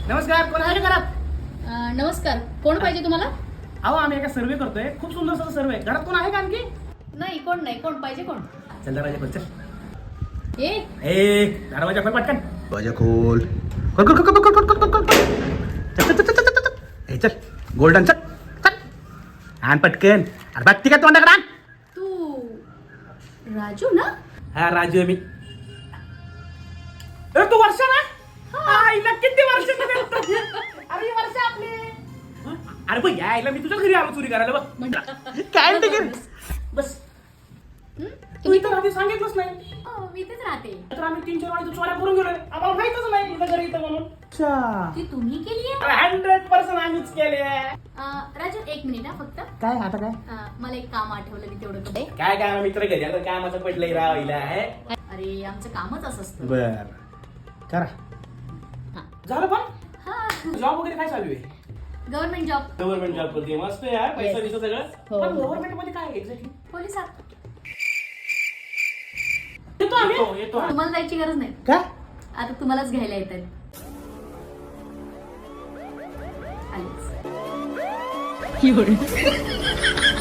नमस्कार, कोण आहे का घरात? नमस्कार, कोण पाहिजे तुम्हाला? अहो आम्ही एका सर्वे करतोय, खूप सुंदर सर्वे. घरात कोण आहे का आणखी? नाही, कोण नाही. कोण पाहिजे? कोण? चल दरवाजा खोल, चल. ए दरवाजा खोल पटकन. दरवाजा खोल. खोल खोल खोल खोल खोल खोल खोल खोल. चल चल चल चल चल चल. ए चल, गोल्डन चल. चल. आण पटकन. अरे बघ ती काय तोंडाकडे आण. तू राजू ना? हा राजू आहे मी. अरे तू वर्षा ना? आईला किती वर्ष अरे वर्ष आपली. अरे बघ यायला मी तुझ्या घरी आलो चोरी करायला बघ. काय ते कर बस. तू इथं राहते सांगितलंच नाही. मी इथेच राहते. तर आम्ही 3-4 वाणी चोऱ्या करून गेलोय. आम्हाला माहितच नाही तुझ्या घरी इथं म्हणून. अच्छा. ती तुम्ही केली आहे? 100% आम्हीच केले. राजू एक मिनिट फक्त. काय आता काय? मला एक काम आठवलं, मी तेवढं करते. काय काय मित्र घरी आता कामाचं पडलंय राहिला आहे. अरे आमचं कामच असं असतं. बर करा. हा. झालं पण हा, जॉब वगैरे काय चालू आहे? Government job. गव्हर्नमेंट जॉब करते मस्त यार. पैसा बिसा सगळं. हो. पण गव्हर्नमेंट मध्ये काय एक्झॅक्टली? पोलिसात. येतो आम्ही. येतो आम्ही. तुम्हाला जायची गरज नाही. का? आता तुम्हालाच घ्यायला येतात. आलीच.